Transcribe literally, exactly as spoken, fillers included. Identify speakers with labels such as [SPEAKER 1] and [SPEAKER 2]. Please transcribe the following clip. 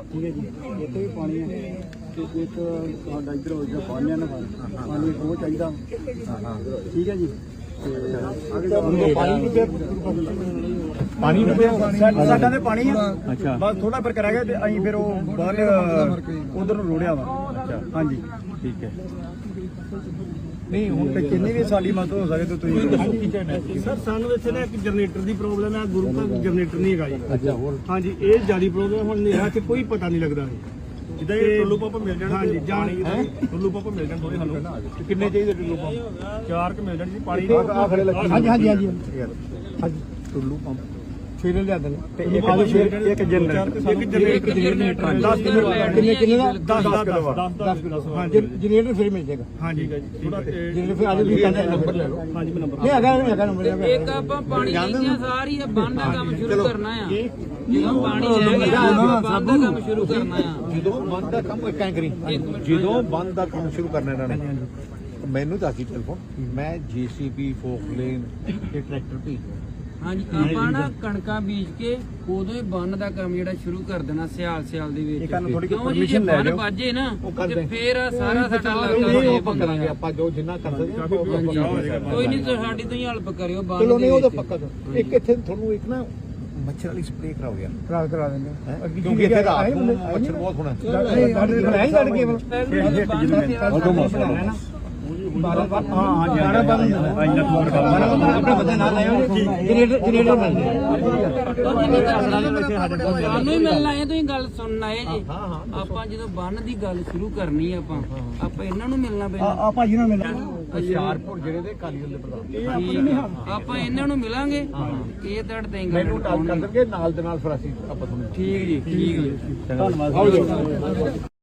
[SPEAKER 1] ठीक है जी, इतने भी पानी है तो एक साडा इधर हो गया पानी ना पानी वो चाहिए। ठीक है जी, पानी साडा ते पानी है बस थोड़ा फर्क रह गया ते असीं फिर वो बाहर उधर नूं रोड़िया वा। हाँ जी ठीक है। नहीं ਹੁਣ ਤੇ ਕਿੰਨੀ ਵੀ ਸਾਡੀ ਮਦਦ ਹੋ ਸਕੇ ਤਾਂ ਤੁਸੀਂ ਸਰ ਸਾਨੂੰ ਇੱਥੇ ਨਾ ਇੱਕ ਜਨਰੇਟਰ ਦੀ ਪ੍ਰੋਬਲਮ ਹੈ, ਗੁਰੂ ਘਰ ਜਨਰੇਟਰ ਨਹੀਂ ਹੈਗਾ ਜੀ। ਅੱਛਾ ਹੋਰ ਹਾਂਜੀ ਇਹ ਜਿਆਦਾ ਪ੍ਰੋਬਲਮ ਹੁਣ ਹਨੇਰਾ ਚ ਕੋਈ ਪਤਾ ਨਹੀਂ ਲੱਗਦਾ ਜਿੱਦਾਂ ਇਹ ਟੁੱਲੂ ਪੰਪ ਮਿਲ ਜਾਣ। ਹਾਂਜੀ ਜਾਣੀ ਟੁੱਲੂ ਪੰਪ ਮਿਲ ਜਾਣ ਥੋੜੇ ਹਲੋ ਕਿੰਨੇ ਚਾਹੀਦੇ ਟੁੱਲੂ ਪੰਪ? ਚਾਰ ਕ ਮਿਲ ਜਾਣ ਜੀ ਪਾਣੀ ਆ ਖੜੇ ਲੱਗੇ। ਹਾਂਜੀ ਹਾਂਜੀ ਹਾਂਜੀ ਹਾਂਜੀ ਟੁੱਲੂ ਪੰਪ ਛੇ ਲਿਆ ਦੇਣ ਤੇ ਇੱਕ ਇੱਕ ਜਨਰੇਟਰ ਇੱਕ ਜਨਰੇਟਰ ਦਸ ਕਿੰਨੇ ਕਿੰਨੇ ਦਾ ਦਸ ਦਸ ਦਸ ਹਾਂਜੀ ਜਨਰੇਟਰ ਫਿਰ ਮਿਲ ਜਾਏਗਾ। ਹਾਂਜੀ ਜਨਰੇਟਰ ਫਿਰ ਆਜੋ ਤੁਸੀਂ ਕਹਿੰਦੇ ਨੰਬਰ ਲੈ ਲਓ। ਹਾਂਜੀ ਮੈਂ ਨੰਬਰ ਨਹੀਂ ਹੈਗਾ ਹੈਗਾ ਨੰਬਰ
[SPEAKER 2] ਇੱਕ ਆਪਾਂ ਪਾਣੀ ਦੀਆਂ ਸਾਰੀ ਬੰਦ ਦਾ ਕੰਮ ਸ਼ੁਰੂ ਕਰਨਾ ਆ। ਜਦੋਂ ਪਾਣੀ ਜਾਏਗਾ ਬੰਦ ਦਾ ਕੰਮ ਸ਼ੁਰੂ ਕਰਨਾ ਆ।
[SPEAKER 3] ਜਦੋਂ ਬੰਦ ਦਾ ਕੰਮ ਇੱਕ ਐਂ ਕਰੀ ਜਦੋਂ ਬੰਦ ਦਾ ਕੰਮ ਸ਼ੁਰੂ ਕਰਨਾ ਇਹਨਾਂ ਨੇ ਮੈਨੂੰ ਦੱਸੀ ਟੈਲੀਫੋਨ ਮੈਂ ਜੀਸੀਬੀ ਫੋਕਲੇਨ ਤੇ ਟਰੈਕਟਰ ਭੇਜ
[SPEAKER 2] ਹਾਂਜੀ ਆਪਾਂ ਨਾ ਕਣਕਾਂ ਬੀਜ ਕੇ ਉਦੋਂ ਹੀ ਬੰਨ ਦਾ ਕੰਮ ਜਿਹੜਾ ਸ਼ੁਰੂ ਕਰ ਦੇਣਾ ਸਿਆਲ ਸਿਆਲ ਦੇ ਵਿੱਚ। ਕਿਉਂ ਜੀ ਜੇ ਬੰਨ ਵੱਜੇ ਨਾ ਤੇ ਫੇਰ ਸਾਰਾ ਸਾਡਾ ਇਲਾਕਾ
[SPEAKER 3] ਕਰਾਂਗੇ ਆਪਾਂ ਜੋ ਜਿੰਨਾ ਕਰ ਸਕਦੇ
[SPEAKER 2] ਕੋਈ ਨਹੀਂ ਸਾਡੀ ਤੋਂ ਹੀ ਹੈਲਪ ਕਰਿਓ ਬੰਨ
[SPEAKER 3] ਚਲੋ ਨਹੀਂ ਉਹ ਤਾਂ ਪੱਕਾ ਇੱਕ ਇੱਥੇ ਤੁਹਾਨੂੰ ਇੱਕ ਨਾ ਮੱਛਰ ਵਾਲੀ ਸਪਰੇਅ ਕਰਾਓ ਯਾਰ ਕਰਾ ਕਰਾ ਦਿੰਦੇ ਕਿਉਂਕਿ ਇੱਥੇ ਰਾਤ ਨੂੰ ਮੱਛਰ ਬਹੁਤ ਹੋਣਾ
[SPEAKER 1] ਬਾਰਾਂ ਬਾਰ ਹਾਂ ਹਾਂ ਬਾਰਾਂ ਬਾਰ ਆਪਣਾ ਬੰਦਾ ਨਾਲ ਆਇਓ ਜਨਰੇਟਰ ਜਨਰੇਟਰ ਮਿਲ
[SPEAKER 2] ਸਾਨੂੰ ਹੀ ਮਿਲਣਾ ਹੈ। ਤੁਸੀਂ ਗੱਲ ਸੁਣਨਾ ਹੈ ਜੀ। ਆਪਾਂ ਜਦੋਂ ਬੰਨ ਦੀ ਗੱਲ ਸ਼ੁਰੂ ਕਰਨੀ ਆਪਾਂ ਆਪਾਂ ਇਹਨਾਂ ਨੂੰ ਮਿਲਣਾ ਪੈਣਾ।
[SPEAKER 1] ਆ ਭਾਜੀ ਨਾਲ ਮਿਲਣਾ
[SPEAKER 3] ਹੁਸ਼ਿਆਰਪੁਰ ਜਿਹੜੇ ਦੇ ਕਾਲੀ ਦੇ ਪ੍ਰਧਾਨ
[SPEAKER 2] ਆਪਾਂ ਇਹਨਾਂ ਨੂੰ ਮਿਲਾਂਗੇ ਇਹ ਤੜ ਦੇਂਗੇ
[SPEAKER 3] ਮੈਨੂੰ ਟਾਲ ਕਰ ਦੇਣਗੇ ਨਾਲ ਦੇ ਨਾਲ ਫਿਰ ਅਸੀਂ ਆਪਾਂ ਤੁਹਾਨੂੰ
[SPEAKER 2] ਠੀਕ ਜੀ ਠੀਕ ਜੀ
[SPEAKER 1] ਧੰਨਵਾਦ।